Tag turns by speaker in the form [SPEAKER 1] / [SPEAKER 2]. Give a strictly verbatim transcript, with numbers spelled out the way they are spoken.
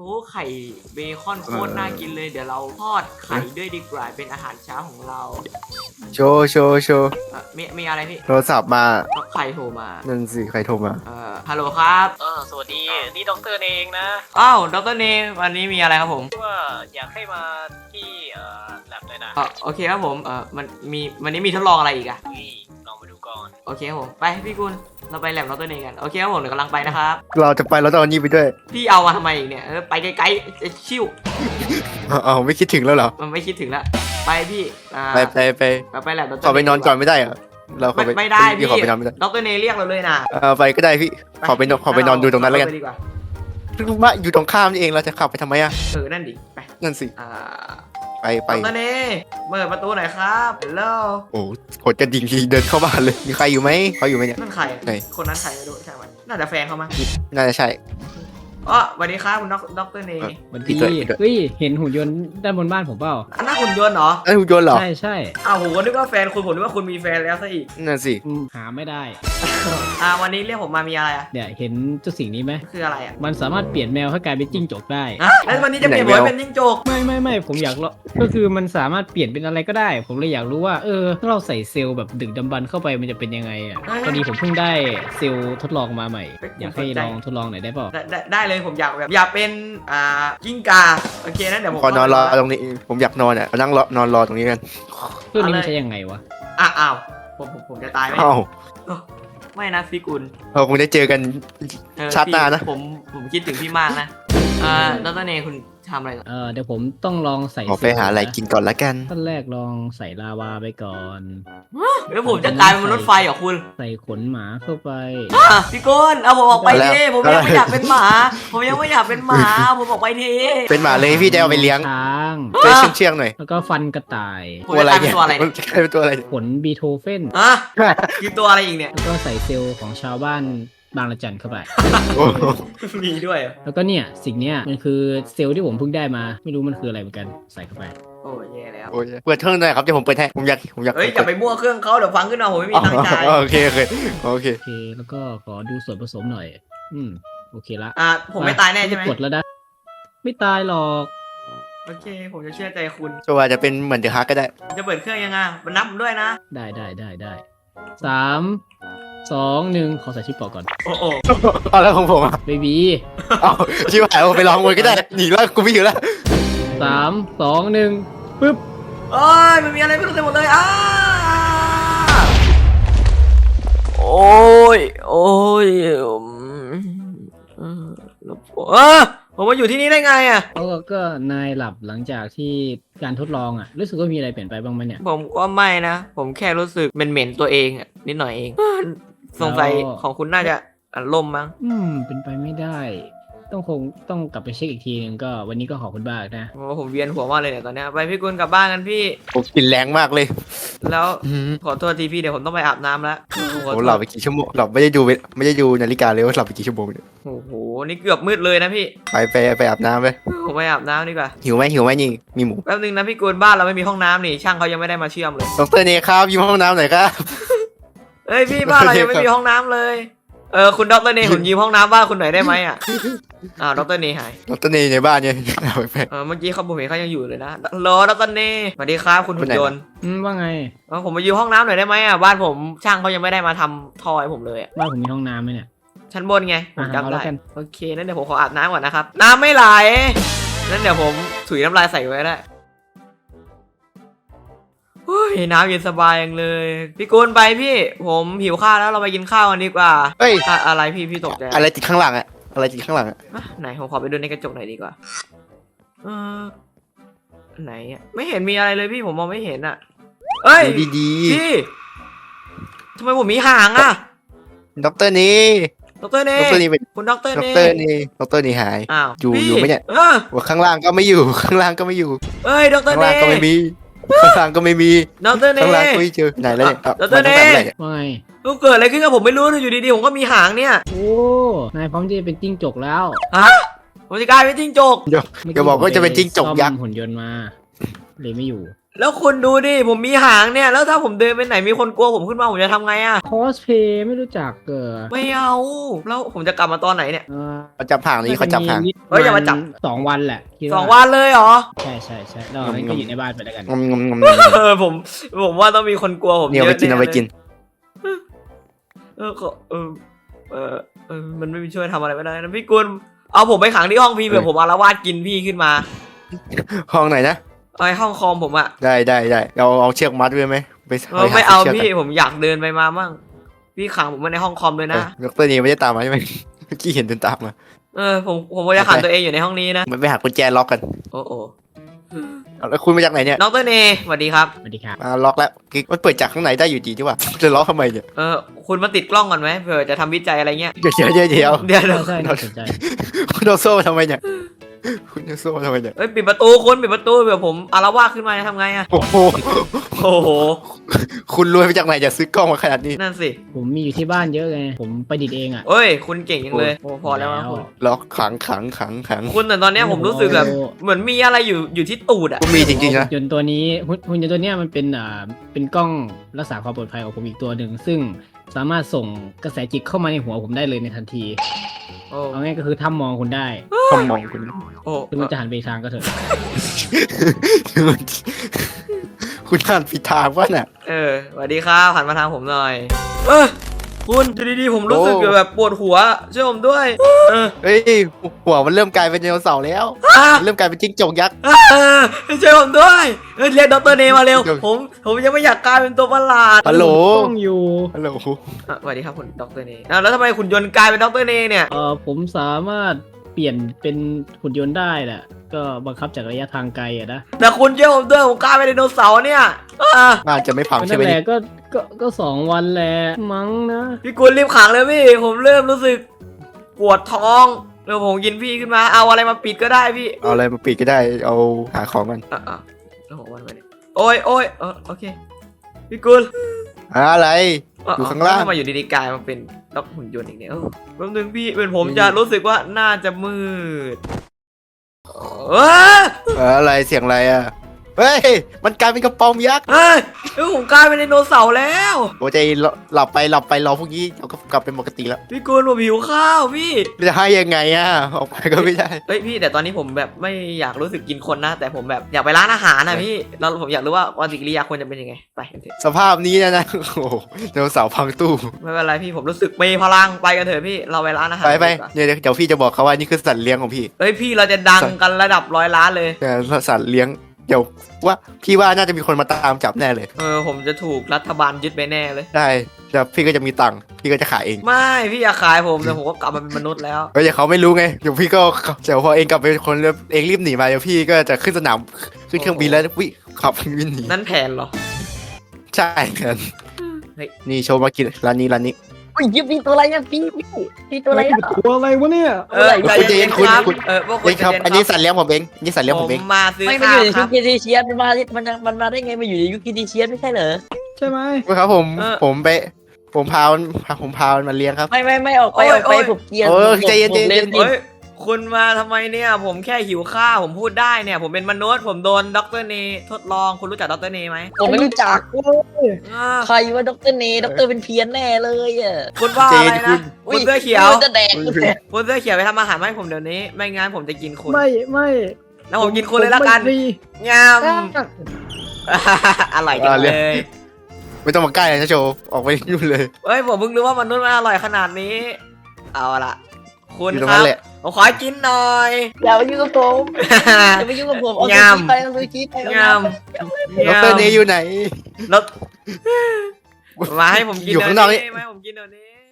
[SPEAKER 1] อ้ไข่เบคอนโคตรน่ากินเลยเดี๋ยวเราทอดไข่ด้วยดีกว่าเป็นอาหารเช้าของเรา
[SPEAKER 2] โชว์โชว์โชว์
[SPEAKER 1] เอ่อมีมีอะไรพี่
[SPEAKER 2] โทรศัพท์มา
[SPEAKER 1] ใครโทรมา
[SPEAKER 2] นั่นสิใครโทรมา
[SPEAKER 1] เอ่อฮัลโหลครับ
[SPEAKER 3] เออสวัสดีนี่ด็อกเตอร์เองนะ
[SPEAKER 1] อ้าวดรเนวันนี้มีอะไรครับผม
[SPEAKER 3] ว่าอยากให้มาที่เอ่อแลบเลยนะ
[SPEAKER 1] เอ่อโอเคครับผมเอ่อมันมีวันนี้มีทดลองอะไรอีกอะ
[SPEAKER 3] นี่ลองมาดูก่อน
[SPEAKER 1] โอเคครับผมไปพี่กุลเราไปแลบดรเนกันโอเคครับผมเดี๋ยวกำลังไปนะครับ
[SPEAKER 2] เราจะไปเราต้องเอานี่ไปด้วย
[SPEAKER 1] พี่เอามาทำไมอีกเนี่ยเออไปไกลๆจะชิว
[SPEAKER 2] เอาไม่คิดถึงแล้วเหรอ
[SPEAKER 1] มันไม่คิดถึงละไปพี่อ่า
[SPEAKER 2] ไปไปไป
[SPEAKER 1] ไปไปแลบดร
[SPEAKER 2] ขอไปนอนก่อนไม่ได้เหรอเราขอ
[SPEAKER 1] ไม่
[SPEAKER 2] ไป
[SPEAKER 1] ไม่ได้พี่
[SPEAKER 2] ขอไปนอนไม่ได้
[SPEAKER 1] ดรเนเรียกเราเลยนะ
[SPEAKER 2] เออไปก็ได้พี่ขอไปนอนขอไปนอนดูตรงนั้นแล้วกัน
[SPEAKER 1] เาไปดีกว่า
[SPEAKER 2] ว่าอยู่ตรงข้ามนี่เองเราจะขับไปทำไมอ่ะ
[SPEAKER 1] เออนั่นดิไป
[SPEAKER 2] นั่นสิ
[SPEAKER 1] อ่า
[SPEAKER 2] ไปไป
[SPEAKER 1] ดรเนเปิดประตูหน่อยครับฮัลโหล
[SPEAKER 2] โอ้กดกระดิ่งทีเดินเข้าบ้านเลยมีใครอยู่ไหมเขาอยู่ไหมเนี่ย
[SPEAKER 1] นั่นใครอะ
[SPEAKER 2] ไหน
[SPEAKER 1] คนนั้นใครไม่รู้ใช่ไหมน่าจะแฟนเขามั้ง
[SPEAKER 2] น่าจะใช่
[SPEAKER 1] อ๋อสวัสดีครับคุณดรเน
[SPEAKER 2] เออ
[SPEAKER 4] วัน
[SPEAKER 2] พี่
[SPEAKER 4] ดี
[SPEAKER 2] ด้วยพี่ด้วย
[SPEAKER 4] เฮ้ย เห็นหุ่นยนต์ด้านบนบ้านผมเปล่า
[SPEAKER 1] อันนั้นหุ่นยนต์เหรอ
[SPEAKER 2] ไอ้ยหุ่นยนต์เหรอ
[SPEAKER 4] ใช่ใช่
[SPEAKER 1] อ้าวผมก็นึกว่าแฟนคุณผมนึกว่าคุณมีแฟนแล้วซะอีก
[SPEAKER 2] นั่นสิ
[SPEAKER 4] อืมหาไม่ได้
[SPEAKER 1] อ่าวันนี้เรียกผมมามีอะไรอ่ะ
[SPEAKER 4] เนี่ยเห็นเจ้าสิ่งนี้ไหม
[SPEAKER 1] คืออะไรอ่ะ
[SPEAKER 4] มันสามารถเปลี่ยนแมวให้กลายเป็นจิ้งจกได้
[SPEAKER 1] ฮะแล้ววันนี้จะเปลี่ยนหัวเป็นจิ้งจก
[SPEAKER 4] ไม่ไม่ไม่ผมอยากลองก็คือมันสามารถเปลี่ยนเป็นอะไรก็ได้ ผมเลยอยากรู้ว่าเออถ้าเราใส่เซลล์แบบดึกดำบรรพ์เข้าไปมันจะเป็นยังไงอ่ะพอดีผมเพิ่งได้เซลล์ทดลองมาใหม่ อยากให้ลองทดลองหน่อยได้เปล่า
[SPEAKER 1] ได้ได้ได้เลยผมอยากแบบอยากเป็นอ่ากิ้งกาโอเคนะเดี๋ยวผม
[SPEAKER 2] ขอนอนรอตรงนี้ผมอยากนอนอ่ะนั่งรอนอนรอตรงนี้กัน
[SPEAKER 4] เครื่องนี้มันใช้ยังไงวะ
[SPEAKER 1] อ่ะอ้าวผมผมผมจะตายไหม
[SPEAKER 2] อ้าว
[SPEAKER 1] ไม่นะพี่กุล
[SPEAKER 2] เราคงได้เจอกัน
[SPEAKER 1] เออ
[SPEAKER 2] ชาติหน้านะ
[SPEAKER 1] พี่ผมผมคิดถึงพี่มากนะอ่าดรเนคุณทำอะไรก่อน
[SPEAKER 4] เออเดี๋ยวผมต้องลองใส่
[SPEAKER 2] ขอไปหาอะไรกินก่อนละกัน
[SPEAKER 4] ขั้นแรกลองใส่ลาวาไปก่อน
[SPEAKER 1] แล้วผมจะกลายเป็นมนุษย์ไฟเหรอคุณ
[SPEAKER 4] ใส่ขนหมาเข้าไป
[SPEAKER 1] อ่ะพี่กุลเอาผมออกไป
[SPEAKER 2] แล้ว
[SPEAKER 1] ทีผมยังไม่อยากเป็นหมา ผมยังไม่อยากเป็นหมาผมออกไปที
[SPEAKER 2] เป็นหมาเลยพี่จะเอาไปเลี้ยง
[SPEAKER 4] ช้าง
[SPEAKER 2] เชื่องเชื่องๆหน่อย
[SPEAKER 4] แล้วก็ฟันกระต่าย
[SPEAKER 1] ผมจะกลายเป็นตัวอะไร
[SPEAKER 2] มันจะกลายเป็นตัวอะไร
[SPEAKER 4] ขนบีโธเฟน
[SPEAKER 1] อ่ะคือตัวอะไรอีกเนี่ย
[SPEAKER 4] แล้วก็ใส่เซลล์ของชาวบ้านบางละจันเข้าไป
[SPEAKER 2] โอ้โห
[SPEAKER 1] มีด้วยเหรอ
[SPEAKER 4] แล้วก็เนี่ยสิ่งเนี้ยมันคือเซลล์ที่ผมเพิ่งได้มา ไม่รู้มันคืออะไรเหมือนกันใส่เข้าไป
[SPEAKER 1] โอ้ยแย่แล้ว
[SPEAKER 2] โอ้ยเปิดเครื่องหน่อยครับเดี๋ยวผมเปิดให้ผมอยากผมอยาก
[SPEAKER 1] เฮ้ยอย่าไปมั่วเครื่องเขาเดี๋ยวฟังขึ้นมาผมไม่มี
[SPEAKER 2] อ๋อ
[SPEAKER 1] ตังค์จ่าย
[SPEAKER 2] โอเคโอเคโอเค
[SPEAKER 4] โอเค แล้วก็ขอดูส่วนผสมหน่อย อืมโอเคละ
[SPEAKER 1] อ่ะผมไม่ตายแน่ใช่ไหม
[SPEAKER 4] กดแล้วนะไม่ตายหรอก
[SPEAKER 1] โอเค ผมจะเชื่อใจคุณ
[SPEAKER 2] จะว่าจะเป็นเหมือนเดอะฮักก็ได้
[SPEAKER 1] จะเปิดเครื่องยังไงมันนับผมด้วยนะ
[SPEAKER 4] ได้ได้ได้ได้สามสองหนึ่งขอใส่ชิปปอกก่อน
[SPEAKER 1] โอ้โห
[SPEAKER 2] เอาแล้วของผมอ่ะ
[SPEAKER 4] เบบี
[SPEAKER 2] เอาชิบหายเอาไปลองมวยก็ได้หนีแล้วกูไม่อยู่แล้ว
[SPEAKER 4] สามสองหนึ่งปึ๊บ
[SPEAKER 1] โอ้ยมันมีอะไรไม่รู้เต็มหมดเลยอ้าโอ้ยโอ้ยอืมเออเออผมมาอยู่ที่นี่ได้ไงอ่ะ
[SPEAKER 4] แล้วก็นายหลับหลังจากที่การทดลองอ่ะ รู้สึกว่ามีอะไรเปลี่ยนไปบ้างไหมเนี่ย
[SPEAKER 1] ผมก็ไม่นะ ผมแค่รู้สึกเหม็นๆตัวเองอะนิดหน่อยเอง สงสัย
[SPEAKER 4] แล้ว
[SPEAKER 1] ของคุณน่าจะอัดลมมั้ง
[SPEAKER 4] อืมเป็นไปไม่ได้ ต้องคงต้องกลับไปเช็คอีกทีหนึงก็วันนี้ก็ขอบคุณมากนะ
[SPEAKER 1] เพราะว่าผมเวียนหัวมากเลยเนี่ยตอนเนี้ยไปพี่กุลกลับบ้านกันพี่
[SPEAKER 2] ผมกลินแรงมากเลย
[SPEAKER 1] แล้ว
[SPEAKER 2] อืม
[SPEAKER 1] ขอโทษทีพี่เดี๋ยวผมต้องไปอาบน้ำแล้ว
[SPEAKER 2] ผมหลับไปกี่ชั่วโมงหลับไม่ได้ดูเวไม่ได้ดูนาฬิกาเลยว่าหลับไปกี่ชั่วโมงเนี่ย
[SPEAKER 1] โอ้โหนี่เกือบมืดเลยนะพี่
[SPEAKER 2] ไปไปไปอาบน้ำไป
[SPEAKER 1] ผมไปอาบน้ำดีกว่า
[SPEAKER 2] หิวไหมหิวไหมนี่มีหมู
[SPEAKER 1] แป๊บนึงนะพี่กุลบ้านเราไม่มีห้องน้ำนี่ช่างเขายังไม่ได้มาเชื่อมเลย
[SPEAKER 2] ดรเนครับยืมห้องน้ำหน่อยครับ
[SPEAKER 1] เอ้ยพี่บ้านเรายังไม่มีห้องน้ำเลยเออคุณดรเนผมยืมห้องน้ำบ้านคุณหน่อยได้ไหมอ่ะอ้าวดรเนหาย
[SPEAKER 2] ดรเนในบ้านเนี่ยเอาไป
[SPEAKER 1] เออเมื่อกี้เขาผมเห็นเขายังอยู่เลยนะรอดรเนสวัสดีครับคุณหุ่นยนต์
[SPEAKER 4] อืมว่าไง
[SPEAKER 1] เออผมมายืมห้องน้ำหน่อยได้ไหมอ่ะบ้านผมช่างเขายังไม่ได้มาทำท่อให้ผมเลยอ่ะ
[SPEAKER 4] บ้านผมมีห้องน้ำไหมเนี่ย
[SPEAKER 1] ชั้นบนไงผม
[SPEAKER 4] อ่ะ
[SPEAKER 1] จำ
[SPEAKER 4] เอา
[SPEAKER 1] ได้
[SPEAKER 4] แล้วกัน
[SPEAKER 1] โอเคนั่นเดี๋ยวผมขออาบน้ำก่อนนะครับน้ำไม่ไหลนั่นเดี๋ยวผมถุยน้ำลายใส่ไว้ได้โอ้ยน้ำเย็นสบายอย่างเลยพี่กุลไปพี่ ผมหิวข้าวแล้วเราไปกินข้าวกันดีกว่า
[SPEAKER 2] เฮ้ย
[SPEAKER 1] อะอะไรพี่พี่ตกใจ
[SPEAKER 2] อะไรติดข้างหลังอะอะไรติดข้างหลังอะ
[SPEAKER 1] อ่ะไหนผมขอไปดูในกระจกหน่อยดีกว่าเออไหนอะไม่เห็นมีอะไรเลยพี่ผมมองไม่เห็นอ่ะเอ้ย
[SPEAKER 2] ดูดี
[SPEAKER 1] พี่ทำไมผมมีหางอ่ะ
[SPEAKER 2] ๆดรเน
[SPEAKER 1] ดรเน่
[SPEAKER 2] ดรเนเป็น
[SPEAKER 1] คุณดร
[SPEAKER 2] ด
[SPEAKER 1] เน่
[SPEAKER 2] รเนดรเนหาย
[SPEAKER 1] อ้าว
[SPEAKER 2] อยู่
[SPEAKER 1] พี่
[SPEAKER 2] อยู่ไหมเนี่ย
[SPEAKER 1] เออ
[SPEAKER 2] ว่าข้างล่างก็ไม่อยู่ ข้างล่างก็ไม่อยู่
[SPEAKER 1] เอ้ยดร
[SPEAKER 2] ข้าง
[SPEAKER 1] เน่
[SPEAKER 2] ล่างก็ไม่มีข้างล่างก็ไม่มี
[SPEAKER 1] ดรเน่
[SPEAKER 2] ข้างล่างก็ไม่เจอไหนแล้วเนี่ย
[SPEAKER 1] ดรเน่
[SPEAKER 2] มาตั้งแต่เมื่อไหร่เนี่ย
[SPEAKER 4] ว่าไง
[SPEAKER 1] ลูกเกิดอะไรขึ้นกับผมไม่รู้เลยอยู่ดีๆผมก็มีหางเนี่ย
[SPEAKER 4] โอ้นายพร้อมที่จะเป็นจิ้งจกแล้ว
[SPEAKER 1] ฮะผมจะกลายเป็นจิ้งจก
[SPEAKER 2] เดี๋ยว
[SPEAKER 4] เมื่
[SPEAKER 2] อย่าบอกว่าจะเป็นจิ้งจกยักษ์
[SPEAKER 4] ซ่อมหุ่นยนต์มาเลยไม่อยู่
[SPEAKER 1] แล้วคุณดูดิผมมีหางเนี่ยแล้วถ้าผมเดินไปไหนมีคนกลัวผมขึ้นมาผมจะทำไงอะ
[SPEAKER 4] คอสเพย์ไม่รู้จักเกิด
[SPEAKER 1] ไม่เอาแล้วผมจะกลับมาตอนไหนเนี่ย
[SPEAKER 2] เขาจับห่างนี้เขาจับห่าง
[SPEAKER 1] เฮ้ยอย่ามาจับ
[SPEAKER 4] สองวันแหละคิด
[SPEAKER 1] สองวันเลยเหรอ
[SPEAKER 4] ใช่ใช่ใช่เรางั้นก็อยู่ในบ้านไปแล้วกัน
[SPEAKER 2] งมงมงม
[SPEAKER 1] เออผมผมว่าต้องมีคนกลัวผม
[SPEAKER 2] เนี่ย
[SPEAKER 1] เย
[SPEAKER 2] เอาไป
[SPEAKER 1] อะ
[SPEAKER 2] กินเอาไปกิน
[SPEAKER 1] เออขอเออเออเออมันไม่มีช่วยทำอะไรไม่ได้นะพี่กุลเอาผมไปขังที่ห้องพี่เผื่อผมอารวาสกินพี่ขึ้นมา
[SPEAKER 2] ห้องไหนนะ
[SPEAKER 1] ไอห้องคอมผมอะ
[SPEAKER 2] ได้ได้ได้เอาเอาเชือกมัดไว้ไหมไป
[SPEAKER 1] เออไม่เอา
[SPEAKER 2] ชืก
[SPEAKER 1] พี่
[SPEAKER 2] กัน
[SPEAKER 1] ผมอยากเดินไปมามั่งพี่ขังผมไว้ในห้องคอมเลย
[SPEAKER 2] เอ
[SPEAKER 1] นะ
[SPEAKER 2] อดรนี่ไม่ได้ตามมาใช่ไหมเมื่อกี้เห็นเดินตามมา
[SPEAKER 1] เออผมผมจะขังตัวเองอยู่ในห้องนี้นะ
[SPEAKER 2] มันไปหากุญแจล็อกกัน
[SPEAKER 1] โอ้โอ้
[SPEAKER 2] เอาแล้วคุณมาจากไหนเนี่ย
[SPEAKER 1] ดรเนสวัสดีครับ
[SPEAKER 4] สวัสดีครับ
[SPEAKER 2] มาล็อกแล้วกิ๊กมันเปิดจากข้างในได้อยู่ดีใช่ป่ะจะล็อกทำไมเนี่ย
[SPEAKER 1] เออคุณมาติดกล้องก่อนไหมเผื่อจะทำวิจัยอะไรเงี้ย
[SPEAKER 2] เดี๋ยวเดี๋ยวเดี๋ยวเดี๋ยว
[SPEAKER 1] เดี๋ยวเดี๋ยว
[SPEAKER 4] ใช่น่าสนใจ
[SPEAKER 2] คุณเอาโซ่มาทำไมเนี่ยคุณเอาโซ่มาทำไมเนี่ย
[SPEAKER 1] เอ้ยปิดประตูคุณปิดประตูเผื่อผมอารวาสขึ้นมาจะทำไงอะ
[SPEAKER 2] โอ้โห
[SPEAKER 1] โอ้โห
[SPEAKER 2] คุณรวยมาจากไหนจะซื้อกล้องมาขนาดนี้
[SPEAKER 1] นั่นสิ
[SPEAKER 4] ผมมีอยู่ที่บ้านเยอะไงผมประดิษฐ์เองอ่ะ
[SPEAKER 1] เอ้ยคุณเก่งจังเลยโอ้พอแล้วนะคุณ
[SPEAKER 2] ล็อกขังขังขังขัง
[SPEAKER 1] คุณแต่ตอนเนี้ยผมรู้สึกแบบเหมือนมีอะไรอยู่อยู่ที่ตูดอะ
[SPEAKER 2] คุณมีจริงๆนะ
[SPEAKER 4] หุ่นยนต์ตัวนี้หุ่นหุ่นยนต์ตัวเนี้ยมันเป็นอ่าเป็นกล้องรักษาความปลอดภัยของผมอีกตัวหนึ่งซึ่งสามารถส่งกระแสจิตเข้ามาในหัวผมได้เลยในทันที
[SPEAKER 1] โอ้
[SPEAKER 4] เอาง่ายก็คือถ้ามองคุณได้
[SPEAKER 2] คำมองคุณ
[SPEAKER 1] โอ้
[SPEAKER 4] ถึงมันจะหันไปอีกทางก็เถอะ
[SPEAKER 2] คุณอ่านผิดทางวะน่ะ
[SPEAKER 1] เออสวัสดีครับหันมาทางผมหน่อยเออคุณอยู่ดีๆผมรู้สึก
[SPEAKER 2] โอ้
[SPEAKER 1] แบบปวดหัวช่วยผมด้วยเออ
[SPEAKER 2] เฮ้ยหัวมันเริ่มกลายเป็นไดโนเสาร์แล้ว
[SPEAKER 1] อ่ะ
[SPEAKER 2] มันเริ่มกลายเป็นจิ้งจกยักษ์
[SPEAKER 1] เออช่วยผมด้วยเออเรียกดรเนมาเร็ว
[SPEAKER 2] เดี๋ยว
[SPEAKER 1] ผมผมยังไม่อยากกลายเป็นตัวประหลาด
[SPEAKER 2] ฮัลโหล
[SPEAKER 4] กล้องอยู่
[SPEAKER 2] ฮัลโหล
[SPEAKER 1] อ่ะสวัสดีครับคุณดรเนอ้าวแล้วทำไมคุณยนต์กลายเป็นดรเนเนี่ย
[SPEAKER 4] เออผมสามารถเปลี่ยนเป็นหุ่นยนต์ได้แหละก็บังคับจากระยะทางไกลอะนะ
[SPEAKER 1] แต่คุณช่วยผมด้วยผมกลายเป็นไดโนเสาร์เนี่ยอ่ะ
[SPEAKER 2] น่าจะไม่พังใช่
[SPEAKER 4] นั่
[SPEAKER 2] ไหม
[SPEAKER 4] นแห
[SPEAKER 2] เนี่
[SPEAKER 4] ละ
[SPEAKER 2] ย
[SPEAKER 4] ก็ก็ก็สองวันแหละมั้งนะ
[SPEAKER 1] พี่กุลรีบขังเลยพี่ผมเริ่มรู้สึกปวดท้องเดี๋ยวผมกินพี่ขึ้นมาเอาอะไรมาปิดก็ได้พี่
[SPEAKER 2] เอาอะไรมาปิดก็ได้เอาหาของกัน
[SPEAKER 1] อ่ะอ่ะแล้วผมวันไปเนี่ยโอ้ยโอ้ยเออโอเคพี่กุล
[SPEAKER 2] อะไร
[SPEAKER 1] อ่ะ
[SPEAKER 2] อยู่ข้างล่าง
[SPEAKER 1] ทำไมอยู่ดีๆกลายมาเป็นด็อกหุ่นยนต์อีกเนี่ยเออแป๊บนึงพี่เป็นผมจะรู้สึกว่าน่าจะมืดเออ
[SPEAKER 2] เอออะไรเสียงอะไรอ่ะเฮ้ยมันกลายเป็นกระป๋อมยักษ์
[SPEAKER 1] เฮ้ยเออผมกลายเป็นไดโนเสาร์แล้ว
[SPEAKER 2] โอ้ใจหลับไปหลับไปรอพวกนี้เราก็กลับเป็นปกติแล้ว
[SPEAKER 1] พี่กุลผมหิวข้าวพี่
[SPEAKER 2] จะให้ยังไงอ่ะออกไปก็ไม่ได้
[SPEAKER 1] เฮ้ยพี่แต่ตอนนี้ผมแบบไม่อยากรู้สึกกินคนนะ แต่ผมแบบอยากไปร้านอาหารนะพี่แล้วผมอยากรู้ว่าปฏิกิริยาควรจะเป็นยังไงไปกันเถอะ
[SPEAKER 2] สภาพนี้นะนะโอ้โหไดโนเสาร์พังตู้
[SPEAKER 1] ไม่เป็นไรพี่ผมรู้สึกมีพลังไปกันเถอะพี่เราไปร้านอาหาร
[SPEAKER 2] ไปไป
[SPEAKER 1] ดีกว่า
[SPEAKER 2] เนี่ยเดี๋ยวพี่จะบอกเขาว่านี่คือสัตว์เลี้ยงของพี่
[SPEAKER 1] เฮ้ยพี่เราจะดังกันระดับร้อยล้านเลย
[SPEAKER 2] แต่สัตว์เลี้ยงเดี๋ยวว่าพี่ว่าน่าจะมีคนมาตามจับแน่เลย
[SPEAKER 1] เออผมจะถูกรัฐบาลยึดไปแน่เลย
[SPEAKER 2] ได้แล้วพี่ก็จะมีตังค์พี่ก็จะขายเอง
[SPEAKER 1] ไม่พี่อย่าขายผมแต่ผมก็กลับมาเป็นมนุษย์แล้ว
[SPEAKER 2] ก็อย่าเขาไม่รู้ไงเดี๋ยวพี่ก็เดี๋ยวพอเองกลับไปเป็นคนแล้วเองรีบหนีมาเดี๋ยวพี่ก็จะขึ้นสนามขึ้นเครื่องบินแล้ววิขับเครื่องบินหนี
[SPEAKER 1] นั่นแผนเหรอ
[SPEAKER 2] ใช่ครับ
[SPEAKER 1] เฮ้ย
[SPEAKER 2] นี่โชว์มากินร้านนี้ร้านนี้
[SPEAKER 5] อุ้ยยิบพี่ตัวอะไรเนี่ยพี่พี่พี่ตัวอะไรอะ
[SPEAKER 4] ตัวอะไรวะเนี่ย
[SPEAKER 1] เออ
[SPEAKER 2] คุณ
[SPEAKER 1] ใจ
[SPEAKER 2] เจ
[SPEAKER 1] เย็
[SPEAKER 2] น
[SPEAKER 1] น
[SPEAKER 2] คุณ
[SPEAKER 1] ครับ
[SPEAKER 2] คุณ
[SPEAKER 1] เออพวกคุ
[SPEAKER 2] เฮ้
[SPEAKER 1] ณ
[SPEAKER 2] ยครับ
[SPEAKER 1] ใจเย็น
[SPEAKER 2] อันนี้สัตว์เลี้ยงผมเองนี่สัตว์เลี้ยง
[SPEAKER 1] ผ
[SPEAKER 2] ผม
[SPEAKER 1] ม
[SPEAKER 2] เอง
[SPEAKER 1] มาซื้อ
[SPEAKER 5] ไม่มัน
[SPEAKER 1] ข้า
[SPEAKER 5] อ
[SPEAKER 1] ว
[SPEAKER 5] ยู่ใน
[SPEAKER 1] ค
[SPEAKER 5] ชุ
[SPEAKER 1] รั
[SPEAKER 5] ด
[SPEAKER 1] บ
[SPEAKER 5] เคทีเชียสมันมามันมันมาได้ไงมันอยู่ในยุคเคทีเชียสไม่ใช่เหรอ
[SPEAKER 4] ใช่ไหม
[SPEAKER 2] ครับผม
[SPEAKER 1] เออ
[SPEAKER 2] ผมไปผมพามันผมพามันมาเลี้ยงครับ
[SPEAKER 5] ไม่ไม่ไม่ออกไป
[SPEAKER 1] โอ้ย
[SPEAKER 5] ออกไป
[SPEAKER 1] โอ้ย
[SPEAKER 5] ผมเกลียร์
[SPEAKER 2] เออ
[SPEAKER 5] ผม
[SPEAKER 2] ใจเย็น
[SPEAKER 5] ผม
[SPEAKER 2] ใจเย็น
[SPEAKER 5] เล่นดิ
[SPEAKER 1] เฮ้ยคุณมาทำไมเนี่ย ผมแค่หิวข้าวผมพูดได้เนี่ย ผมเป็นมนุษย์ผมโดนดรเนทดลองคุณรู้จักดรเนไหม
[SPEAKER 5] ผมไม่รู้จัก
[SPEAKER 1] อ่า
[SPEAKER 5] ใครว่าด็อกเตอร์เนด็อกเตอร์เป็นเพี้ยนแน่เลยอ่ะ
[SPEAKER 1] คุณว่าอะไรนะ
[SPEAKER 5] อุ๊
[SPEAKER 1] คุณเสื้อเขียว
[SPEAKER 5] มันจะแดกกูแดก
[SPEAKER 1] คุณเสื้อเขียวไปทำอาหารมาให้ผมเดี๋ยวนี้ ไม่งั้นผมจะกินคุณ
[SPEAKER 4] ไม่ไม่
[SPEAKER 1] แล้วผมกินคุณเลยละกัน
[SPEAKER 4] ผมไม่มี
[SPEAKER 1] งาม อร่อยจังเลย
[SPEAKER 2] ไม่ต้องมาใกล้เลยนะโชว์ออกไปนู่นเลย
[SPEAKER 1] เฮ้ยผมเพิ่งรู้ว่ามนุษย์มันอร่อยขนาดนี้ เอาละคุณ
[SPEAKER 2] อยู่ตรง
[SPEAKER 1] ค
[SPEAKER 2] นั้
[SPEAKER 1] รับ
[SPEAKER 2] นแหละ
[SPEAKER 1] ผมขอกินหน่อย
[SPEAKER 5] อย่ามายุ่งกับผมอย่ามายุ่งกับผมเอาซู
[SPEAKER 1] งาม
[SPEAKER 5] ชิไปเอาซูชิไปเอา
[SPEAKER 1] งาม
[SPEAKER 2] ดรเนยอยู่ไหน
[SPEAKER 1] แล้วมาให้ผมกิน
[SPEAKER 2] อยู่ข้างนอกนี่
[SPEAKER 1] เดี๋ยวมาให้ผมกินเดี๋ยวนี้